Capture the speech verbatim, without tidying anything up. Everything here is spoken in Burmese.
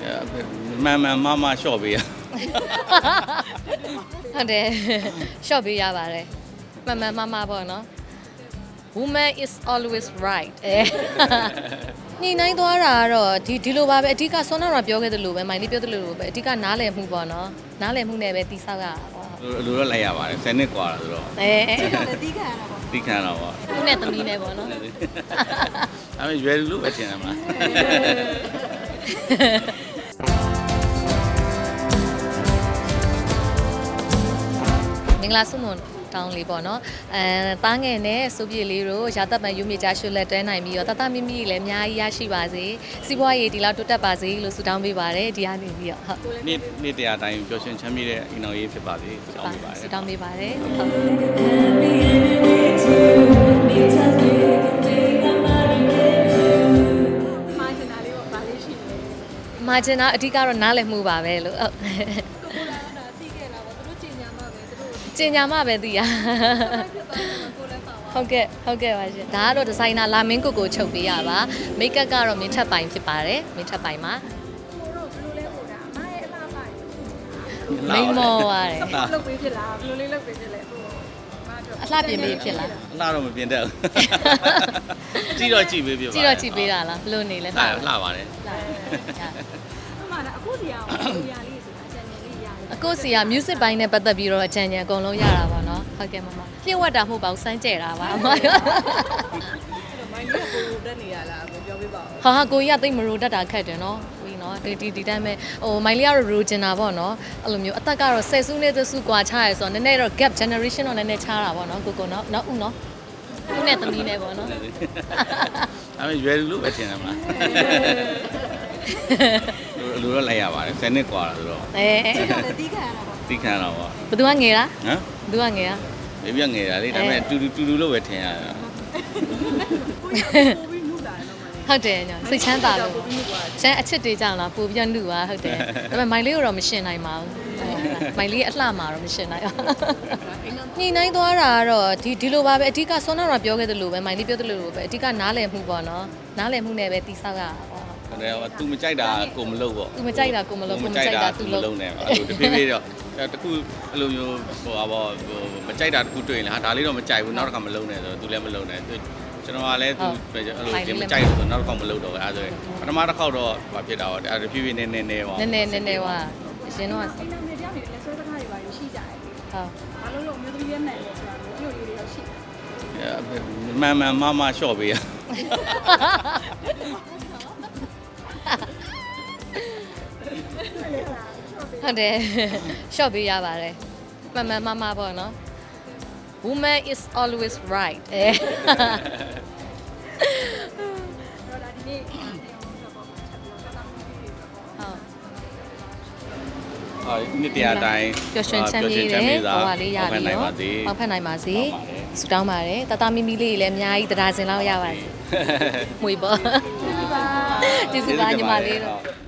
မှန်မှန်မမလျှော့ပေးရဟုတ်တယ်ရှော့ပေးရပါတယ်မှန်မှန်မမပေါ့နော် woman is always right အဲညှိနှိုင်းသွားတာကတော့ဒီဒီလိုပါပဲအဓိကဆွမ်းနာတော့ပြောခဲ့သလိုပဲမိုင်လေးပြောသလိုပဲအဓိကနားလည်မှုပေါ့နော်နားလည်မှုနဲ့ပဲတိဆောက်ရတာပေါ့လိုတော့လိုက်ရပါတယ်ဆယ်နှစ်กว่าဆိုတော့အဲလည်းတီးခံရတာပေါ့တိခံတော့ပေါ့သူနဲ့သမီးနဲ့ပေါ့နော်အဲ့မဲ့ရွယ်လူလို့ပဲထင်တယ်မလားမင်္ဂလာဆုမွန်တောင်းလေးပေါ့နော်အဲတားငယ်နဲ့စိုးပြေလေးတို့ရာသက်ပံယူမြေချရွှေလက်တွဲနိုင်ပြီးတော့တတမိမိလည်းအများကြီးရရှိပါစေစီးပွားရေးဒီလောက်တိုးတက်ပါစေလို့ဆုတောင်းပေးပါတယ်ဒီကနေပြီးတော့ဟုတ်နေ့နေ့တရားတိုင်းပျော်ရွှင်ချမ်းမြေ့တဲ့အင်တော်ရေးဖြစ်ပါစေဆုတောင်းပေးပါတယ်ဆုတောင်းပေးပါတယ်ဟုတ်မာဂျင်နာလေးပေါ့ဗာလေးရှိတယ်မာဂျင်နာအဓိကတော့နားလည်မှုပါပဲလို့ဟုတ်ကိုလာတာတီးခဲ့တာပေါ့သူတို့ကျင်ညာမှာပဲသူတို့ကျင်ညာမှပဲသိရဖြစ်သွားတယ်ကိုလည်းပါသွားဟုတ်ကဲ့ဟုတ်ကဲ့ပါရှင်ဒါကတော့ဒီဇိုင်နာလာမင်းကိုကိုချုပ်ပေးရပါမိတ်ကပ်ကတော့မင်းထပ်ပိုင်ဖြစ်ပါတယ်မင်းထပ်ပိုင်မှာကိုတို့ဘယ်လိုလဲပို့တာအမရဲ့အလားပါမိန်မောရတယ်လုတ်ပေးဖြစ်လားဘယ်လိုလေးလုတ်ပေးဖြစ်လဲဟိုအမတို့အလှပြင်ပေးဖြစ်လားအလှတော့မပြင်တတ်ဘူးကြည့်တော့ကြည့်ပေးပြပါကြည့်တော့ကြည့်ပေးတာလားဘလို့နေလဲလှလှပါတယ်အမကအခုစီအောင်ဟိုရာလေးဆိုတာအချန်နယ်လေးရတယ်အခုစီက music ဘိုင်းနဲ့ပတ်သက်ပြီးတော့အချမ်းချမ်းအကုန်လုံးရတာပါเนาะဟုတ်ကဲ့မမပြည့်ဝတ်တာမဟုတ်ပါဘူးစမ်းကြဲတာပါအမမိုင်းလေးကကိုလိုတက်နေရလားပြောပြပါဦးဟာဟာကိုကြီးကသိမရိုတတ်တာခက်တယ်เนาะပြီးเนาะဒီဒီဒီတိုင်းပဲဟိုမိုင်လေးကတော့ရိုချင်တာပေါ့เนาะအဲ့လိုမျိုးအသက်ကတော့ဆယ်စုနှစ်သစုกว่าချရဲဆိုတော့နည်းနည်းတော့ gap generation တော့နည်းနည်းချတာပေါ့เนาะကိုကိုเนาะเนาะဦးเนาะဦးနဲ့သမီးနဲ့ပေါ့เนาะအဲ့မဲ့ရွယ်လူလို့ပဲထင်တယ်မလားလိုတော့လိုက်ရပါတယ်ဆယ်နှစ်กว่าဆိုတော့အဲလည်းတီးခံရတာပေါ့တိခံတော့ပေါ့ဘယ်သူကငယ်လားဟမ်ဘယ်သူကငယ်လားဘေဘီကငယ်တာလေဒါပေမဲ့တူတူတူတူလို့ပဲထင်ရတာကိုရပိုပြီးမှုတာတော့မလေးဟုတ်တယ်ညစိတ်ချမ်းသာလို့ချမ်းအချစ်တွေကြောင့်လားပို့ပြီးနှုတ်ပါဟုတ်တယ်ဒါပေမဲ့မိုင်လေးကိုတော့မရှင်နိုင်ပါဘူးမိုင်လေးအလှမှာတော့မရှင်နိုင်အောင်ညှိနှိုင်းသွားတာကတော့ဒီဒီလိုပါပဲအဓိကဆွမ်းနာတော့ပြောခဲ့သလိုပဲမိုင်လေးပြောသလိုပဲအဓိကနားလည်မှုပေါ့နော်နားလည်မှုနဲ့ပဲတိဆောက်ရတာပေါ့ဟုတ်တယ်သူမကြိုက်တာကိုမလုပ်ပေါ့သူမကြိုက်တာကိုမလုပ်ကိုမကြိုက်တာသူလုပ်လုံးနေအဲ့လိုတဖြည်းဖြည်းတော့တခုအဲ့လိုမျိုးဟိုပါဘောမကြိုက်တာတခုတွေ့ရင်ဟာဒါလေးတော့မကြိုက်ဘူးနောက်တစ်ခါမလုံးနဲ့ဆိုတော့သူလည်းမလုံးနဲ့ကျွန်တော်ကလည်းသူအဲ့လိုဒီမကြိုက်ဘူးဆိုနောက်တစ်ခါမလုံးတော့အဲ့ဒါဆိုပထမတစ်ခေါက်တော့ဘာဖြစ်တာပေါ့အဲ့တဖြည်းဖြည်းနဲ့နဲ့နဲ့ပေါ့နည်းနည်းနည်းနည်းဟွာအရင်တော့အိမ်တော်တွေကြောင့်လည်းဆွဲစကားတွေပါရရှိကြတယ်ဟုတ်ဘာလို့လို့မျိုးသမီးရဲ့နိုင်လဲဆိုတာမျိုးမျိုးလေးတော့ရှိတယ်မှန်မှန်မမလျှော့ပေးရဟုတ်တယ်ရှော့ပေးရပါတယ်မှန်မှန်မမပေါ့နော် woman is always right အဲတော့ဒါဒီနေ့အဲ့တော့ပေါ့ချက်ပြီးတော့တာမှုတွေဆိုတော့ဟုတ်ဟာနေ့တရားတိုင်းပျော်ရွှင်ချမ်းမြေ့တဲ့ဘဝလေးရပြီးတော့ပါစေပေါက်ဖက်နိုင်ပါစေဆုတောင်းပါတယ်တတမီမီလေးလည်းအများကြီးတရားစင်လောက်ရပါစေမွေပေါ့ကျေးဇူးပါညီမလေးတို့